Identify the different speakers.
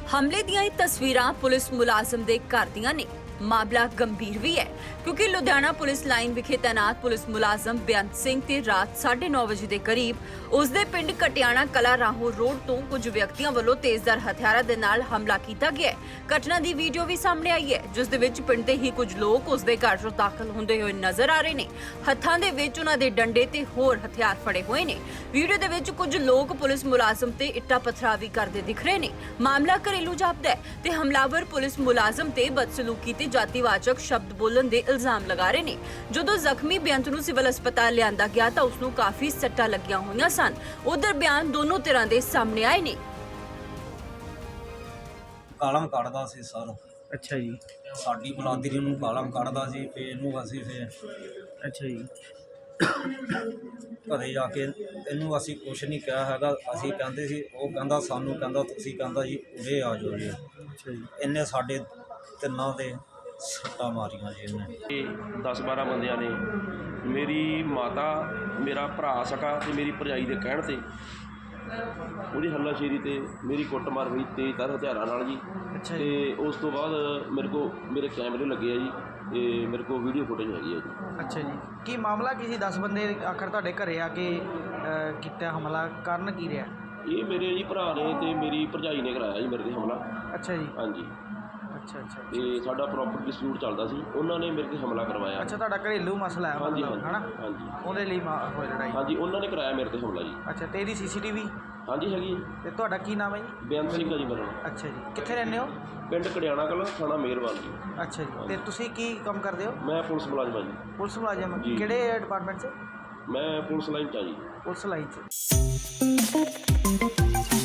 Speaker 1: हमले ਦੀਆਂ ਇਹ ਤਸਵੀਰਾਂ ਪੁਲਿਸ ਮੁਲਾਜ਼ਮ ਦੇ ਘਰ ਦੀਆਂ ਨੇ। ਮਾਮਲਾ ਗੰਭੀਰ ਵੀ ਹੈ ਕਿਉਂਕਿ ਲੁਧਿਆਣਾ ਪੁਲਿਸ ਲਾਈਨ ਵਿਖੇ ਤੈਨਾਤ ਪੁਲਿਸ ਮੁਲਾਜ਼ਮ ਬੇਅੰਤ ਸਿੰਘ ਤੇ ਰਾਤ 9:30 ਵਜੇ ਦੇ ਕਰੀਬ ਉਸਦੇ ਪਿੰਡ ਕਟਿਆਣਾ ਕਲਾ ਰਾਹੋਂ ਰੋਡ ਤੋਂ ਕੁਝ ਵਿਅਕਤੀਆਂ ਵੱਲੋਂ ਤੇਜ਼ਧਾਰ ਹਥਿਆਰਾਂ ਦੇ ਨਾਲ ਹਮਲਾ ਕੀਤਾ ਗਿਆ ਹੈ। ਘਟਨਾ ਦੀ ਵੀਡੀਓ ਵੀ ਸਾਹਮਣੇ ਆਈ ਹੈ ਜਿਸ ਦੇ ਵਿੱਚ ਪਿੰਡ ਦੇ ਹੀ ਕੁਝ ਲੋਕ ਉਸਦੇ ਘਰ 'ਚ ਦਾਖਲ ਹੁੰਦੇ ਹੋਏ ਨਜ਼ਰ ਆ ਰਹੇ ਨੇ। ਹੱਥਾਂ ਦੇ ਵਿੱਚ ਉਹਨਾਂ ਦੇ ਡੰਡੇ ਤੇ ਹੋਰ ਹਥਿਆਰ ਫੜੇ ਹੋਏ ਨੇ। ਵੀਡੀਓ ਦੇ ਵਿੱਚ ਕੁਝ ਲੋਕ ਪੁਲਿਸ ਮੁਲਾਜ਼ਮ ਤੇ ਇੱਟਾਂ ਪੱਥਰਾਂ ਵੀ ਕਰਦੇ ਦਿਖ ਰਹੇ ਨੇ। ਮਾਮਲਾ ਘਰੇਲੂ ਜਾਪਦਾ ਹੈ ਤੇ ਹਮਲਾਵਰ ਪੁਲਿਸ ਮੁਲਾਜ਼ਮ ਤੇ ਬਦਸਲੂਕੀ ਤੇ ਜਾਤੀਵਾਚਕ ਸ਼ਬਦ ਬੋਲਣ ਦੇ ਇਲਜ਼ਾਮ ਲਗਾ ਰਹੇ ਨੇ। ਜਦੋਂ ਜ਼ਖਮੀ ਬੇਅੰਤ ਨੂੰ ਸਿਵਲ ਹਸਪਤਾਲ ਲਿਆਂਦਾ ਗਿਆ ਤਾਂ ਉਸ ਨੂੰ ਕਾਫੀ ਸੱਟਾਂ ਲੱਗੀਆਂ ਹੋਈਆਂ ਸਨ। ਉਧਰ ਬਿਆਨ ਦੋਨੋਂ ਤਰ੍ਹਾਂ ਦੇ ਸਾਹਮਣੇ ਆਏ ਨੇ।
Speaker 2: ਕਾਲਮ ਕੱਢਦਾ ਸੀ ਸਰ।
Speaker 3: ਅੱਛਾ ਜੀ।
Speaker 2: ਸਾਡੀ ਬਲਾਦਰੀ ਨੂੰ ਕਾਲਮ ਕੱਢਦਾ ਸੀ ਤੇ ਇਹਨੂੰ ਅਸੀਂ ਫਿਰ
Speaker 3: ਅੱਛਾ ਜੀ।
Speaker 2: ਘਰੇ ਜਾ ਕੇ ਇਹਨੂੰ ਅਸੀਂ ਕੁਛ ਨਹੀਂ ਕਿਹਾ ਹੈਗਾ। ਅਸੀਂ ਕਹਿੰਦੇ ਸੀ, ਉਹ ਕਹਿੰਦਾ ਸਾਨੂੰ ਕਹਿੰਦਾ ਤੁਸੀਂ ਕਹਿੰਦਾ ਜੀ ਉਰੇ ਆ ਜਾਓ ਜੀ।
Speaker 3: ਅੱਛਾ ਜੀ।
Speaker 2: ਇਹਨੇ ਸਾਡੇ ਤਿੰਨਾਂ ਦੇ ਸੱਟਾਂ ਮਾਰੀਆਂ ਜੀ ਇਹਨੇ।
Speaker 4: 10-12 ਬੰਦਿਆਂ ਨੇ ਮੇਰੀ ਮਾਤਾ, ਮੇਰਾ ਭਰਾ ਸਕਾ ਤੇ ਮੇਰੀ ਭਰਜਾਈ ਦੇ ਕਹਿਣ ਤੇ ਉਹਦੀ ਹੱਲਾਸ਼ੇਰੀ ਤੇ ਮੇਰੀ ਕੁੱਟਮਾਰ ਹੋਈ ਤੇਜ਼ਧਾਰ ਹਥਿਆਰਾਂ ਨਾਲ ਜੀ।
Speaker 3: ਅੱਛਾ
Speaker 4: ਤੇ ਉਸ ਤੋਂ ਬਾਅਦ ਮੇਰੇ ਕੈਮਰੇ ਲੱਗੇ ਆ ਜੀ ਤੇ ਮੇਰੇ ਕੋਲ ਵੀਡੀਓ ਫੁਟੇਜ ਹੈਗੀ ਆ ਜੀ।
Speaker 3: ਅੱਛਾ ਜੀ। ਕੀ ਮਾਮਲਾ ਕੀ ਸੀ? 10 ਬੰਦੇ ਆਖਰ ਤੁਹਾਡੇ ਘਰੇ ਆ ਕੇ ਕੀਤਾ ਹਮਲਾ, ਕਾਰਨ ਕੀ ਰਿਹਾ?
Speaker 4: ਇਹ ਮੇਰੇ ਜੀ ਭਰਾ ਨੇ ਤੇ ਮੇਰੀ ਭਰਜਾਈ ਨੇ ਕਰਾਇਆ ਜੀ ਮੇਰੇ ਤੇ ਹਮਲਾ।
Speaker 3: ਅੱਛਾ ਜੀ।
Speaker 4: ਹਾਂਜੀ।
Speaker 3: ਅੱਛਾ ਅੱਛਾ।
Speaker 4: ਤੇ ਸਾਡਾ ਪ੍ਰੋਪਰਟੀ ਡਿਸਪਿਊਟ ਚੱਲਦਾ ਸੀ, ਉਹਨਾਂ ਨੇ ਮੇਰੇ ਤੇ ਹਮਲਾ ਕਰਵਾਇਆ।
Speaker 3: ਅੱਛਾ, ਤੁਹਾਡਾ ਘਰੇਲੂ ਮਸਲਾ ਹੈ
Speaker 4: ਹਾਂਜੀ
Speaker 3: ਮਤਲਬ, ਹਨਾ?
Speaker 4: ਹਾਂਜੀ।
Speaker 3: ਉਹਦੇ ਲਈ ਹੋਈ ਲੜਾਈ?
Speaker 4: ਹਾਂਜੀ, ਉਹਨਾਂ ਨੇ ਕਰਾਇਆ ਮੇਰੇ ਤੇ ਹਮਲਾ ਜੀ।
Speaker 3: ਅੱਛਾ, ਤੇ ਇਹਦੀ ਸੀਸੀਟੀਵੀ?
Speaker 4: ਹਾਂਜੀ ਹੈਗੀ ਜੀ।
Speaker 3: ਤੇ ਤੁਹਾਡਾ ਕੀ ਨਾਮ ਹੈ ਜੀ?
Speaker 4: ਬੇਅੰਤ ਸਿੰਘ ਆ ਜੀ ਮੇਰਾ ਨਾਮ।
Speaker 3: ਅੱਛਾ ਜੀ। ਕਿੱਥੇ ਰਹਿੰਦੇ ਹੋ?
Speaker 4: ਪਿੰਡ ਕੜਿਆਣਾ ਕਲਾਂ, ਥਾਣਾ ਮਿਹਰਬਾਨ ਜੀ।
Speaker 3: ਅੱਛਾ ਜੀ। ਤੇ ਤੁਸੀਂ ਕੀ ਕੰਮ ਕਰਦੇ ਹੋ?
Speaker 4: ਮੈਂ ਪੁਲਿਸ ਮੁਲਾਜ਼ਮ ਹਾਂ ਜੀ।
Speaker 3: ਪੁਲਿਸ ਮੁਲਾਜ਼ਮ?
Speaker 4: ਜੀ।
Speaker 3: ਕਿਹੜੇ ਡਿਪਾਰਟਮੈਂਟ 'ਚ?
Speaker 4: ਮੈਂ ਪੁਲਿਸ ਲਾਈਨ 'ਚ ਆ ਜੀ।
Speaker 3: ਪੁਲਿਸ ਲਾਈਨ 'ਚ।